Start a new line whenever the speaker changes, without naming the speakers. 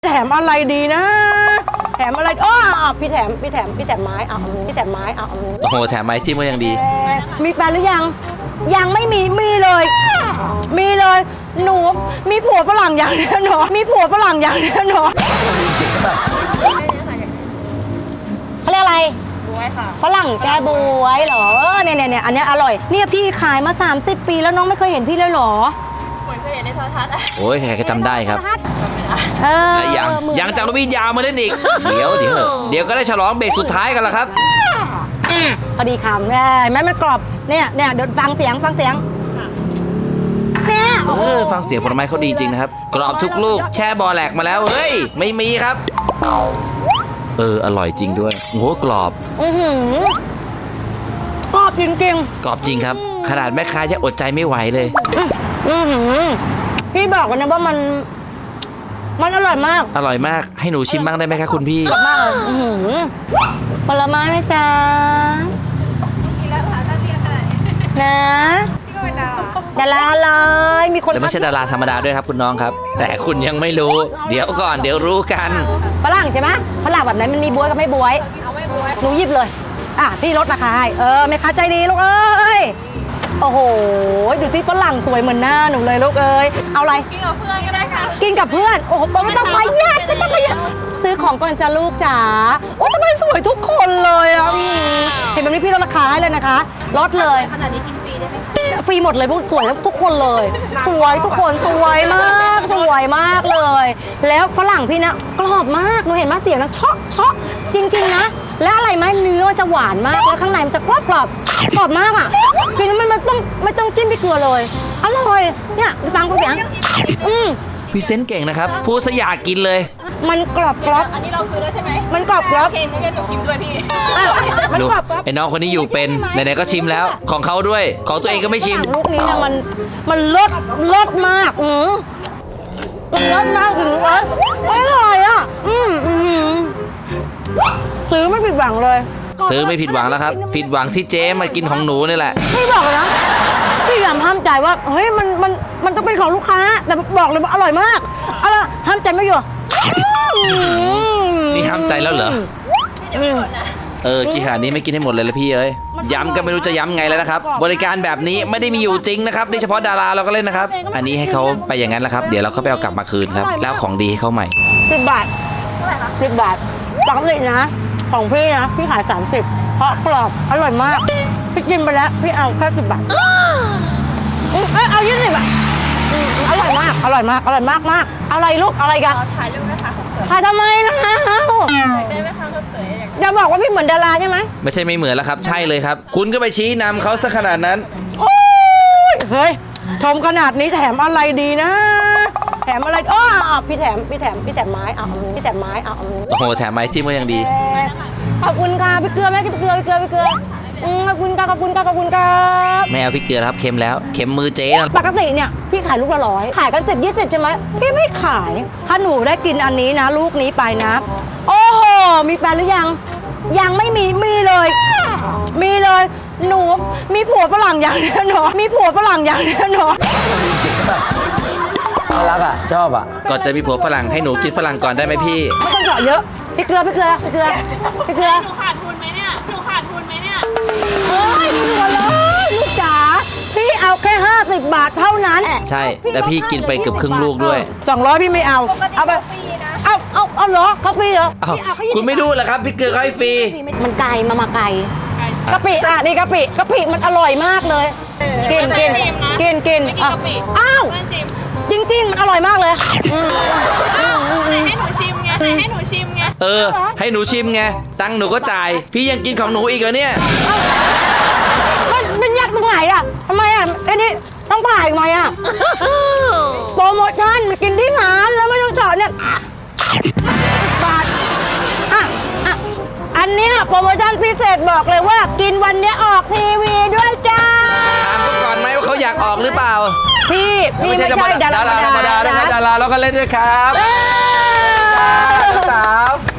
แถมอะไรดีนะแถมอะไรอ้อพี่แถมไม้พี่แถมไม้โอ้
โหแถมไม้จิ้มก็ยังดี
มีแฟนหรือยังไม่มีเลยหนูมีผัวฝรั่งอย่างแน่นอนเขาเรียกอะไรบวยค่ะฝรั่งแช่บวยเหรอเนี่ยอันนี้อร่อยเนี่ยพี่ขายมา30 ปีแล้วน้องไม่เคยเห็นพี่เลยเหรอ
เคยเห็นในโทรทัศน์
โอ้ยใครก็จำได้ครับยังจากวิทยามาเล่นอีกเดี๋ยวก็ได้ฉลองเบรกสุดท้ายกันแล้วครับ
พอดีคำแม่มันกรอบเนี่ยเดี๋ยวฟังเสียงเนี่ย
ฟังเสียงผลไม้เขาดีจริงนะครับกรอบทุกลูกแช่บอแหลกมาแล้วเฮ้ยไม่มีครับอร่อยจริงด้วยโอ้โหกรอบ
กรอบจริง
กรอบจริงครับขนาดแม่ค้ายังอดใจไม่ไหวเลย
พี่บอกกันนะว่ามันอร่อยม
ากให้หนูชิมบ้างได้ไหมคะคุณพี่
มากผลไม้ไหมจ๊ะ
กินแล้วค่ะถ้าเทียบขนาดนี้
นะ
พี่ก็เป็นดา
ราเลยมีคน
แต่ไม่ใช่ดาราธรรมดาด้วยครับคุณน้องครับแต่คุณยังไม่รู้เดี๋ยวก่อนเดี๋ยวรู้กัน
ฝรั่งใช่ไหมฝรั่งแบบไหนมันมีบวยกับไม่บวย
เอาไม่บวย
หนูหยิบเลยพี่ลดราคาให้แม่ค้าใจดีลูกเอ้ยโอ้โหดูสิฝรั่งสวยเหมือนหน้าหนูเลยลูกเอ้ยเอาอะไร
กินกับเพื่อนก็ได้ค่ะ
กินกับเพื่อนโอ้โหไม่ต้องประหยัดซื้อของก่อนจ้าลูกจ๋าโอ้ทำไมสวยทุกคนเลยเห็นแบบนี้พี่ลดราคาให้เลยนะคะลดเลย
ขนาดนี้กินฟรีได้ไหม
ฟรีหมดเลยพวกสวยทุกคนเลยสวยทุกคนสวยมากเลยแล้วฝรั่งพี่นะกรอบมากหนูเห็นมาเสียงนะเชาะจริงๆนะและอะไรไหมเนื้อมันจะหวานมากแล้วข้างในมันจะกรอบมากกินมันไม่ต้องจิ้มพริกเกลือเลยอร่อยเนี่ยฟังกูเสียง
พี่เซนเก่งนะครับพูดซะอยากกินเลย
มันกรอบ
อันนี้เราซื้อแล้วใช่ไหม
มันกรอบ
โอเคงั้นหนูชิมด้วยพี่
มันกรอบ
ไอ้น้องคนนี้อยู่เป็นไหนๆก็ชิมแล้วของเขาด้วยของตัวเองก็ไม่ชิม
ลูกนี้เนี่ยมันเลิศมากมันเลิศมากถึงอร่อยซื้อไม่ผิดหวังเลย
ซื้อไม่ผิดหวังแล้วครับผิดหวังที่เจ๊มากินของหนูนี่แหละ
พี่บอกเลยนะพี่พยายามห้ามใจว่าเฮ้ยมันต้องเป็นของลูกค้าแต่บอกเลยว่าอร่อยมากห้ามใจไม่อยู่
นี่ห้ามใจแล้วเหรอกี่ขนาดนี้ไม่กินให้หมดเลยละพี่เอ้ยย้ำก็ไม่รู้จะย้ำไงแล้วนะครับบริการแบบนี้ไม่ได้มีอยู่จริงนะครับนี่เฉพาะดาราเราก็เล่นนะครับอันนี้ให้เขาไปอย่างนั้นแหละครับเดี๋ยวเราเขาไปเอากลับมาคืนครับแล้วของดีให้เขาใหม่
10 บาท10 บาทปกตินะของพี่นะพี่ขาย30เพราะกรอบอร่อยมากพี่กินไปแล้วพี่เอาแค่10 บาทเอา20 บาทอร่อยมากอะไรลูกอะไรกัน
ถ่ายรูปนะคะ
ถ่ายทำไมนะ
ได้ไหมคะคุณเต๋อ
อย่าบอกว่าพี่เหมือนดาราใช่ไหม
ไม่ใช่ไม่เหมือนแล้วครับใช่เลยครับคุณก็ไปชี้นำเขาซะขนาดนั้น
เฮ้ยชมขนาดนี้แถมอะไรดีนะแถมอะไรพี่แถมไม้พี่แถมไม้
โอ้โหแถมไม้จิ้มก็ยังดี
ขอบคุณค่ะพี่เกลือแม่พี่เกลือขอบคุณค่ะ
ไม่เอาพี่เกลือครับเค็มแล้วเค็มมือเจ๊นะ
ปกติเนี่ยพี่ขายลูกละ100ขายกัน10-20ใช่ไหมพี่ไม่ขายถ้าหนูได้กินอันนี้นะลูกนี้ไปนะโอ้โหมีแฟนหรือยังไม่มีเลยหนูมีผัวฝรั่งอย่างแน่นอน
น่ารักชอบก่อนจะมีผัวฝรั่งให้หนูกินฝรั่งก่อนได้ไหมพี่
ไม่ต้องเจาะเยอะพี่เกลือ
หนูขาดทุนไหมเนี่ย
เฮ้ยไม่เหลือเลยลูกจ๋าพี่เอาแค่50 บาทเท่านั้น
ใช่แล้วพี่กินไปเกือบครึ่งลูกด้วย
200พี่ไม่เอาไปเอาเหรอเขาฟรีเหรอ
คุณไม่ดูเหรอครับพี่เกลือให้ฟรี
มันไกลมาไกลกะปินี่กะปิมันอร่อยมากเลยกินอ้าวจริงๆมันอร่อยมากเลย
ให้หนูชิมไงให้หนูชิม
ไงตังค์หนูก็จ่ายพี่ยังกินของหนูอีกแล้วเนี่ย
มันยากตรงไหนทำไมไอ้นี่ต้องผ่าอีกไหมโปรโมชั่นมันกินที่ร้านแล้วไม่ต้องจอดเนี่ยบาทอันเนี้ยโปรโมชั่นพิเศษบอกเลยว่ากินวันนี้ออกทีวีด้วยจ้า
ถามเขาก่อนไหมว่าเขาอยากออกหรือเปล่า
พี่ไม่ใช่ดารา
แล้วก็เล่นด้วยครับสาว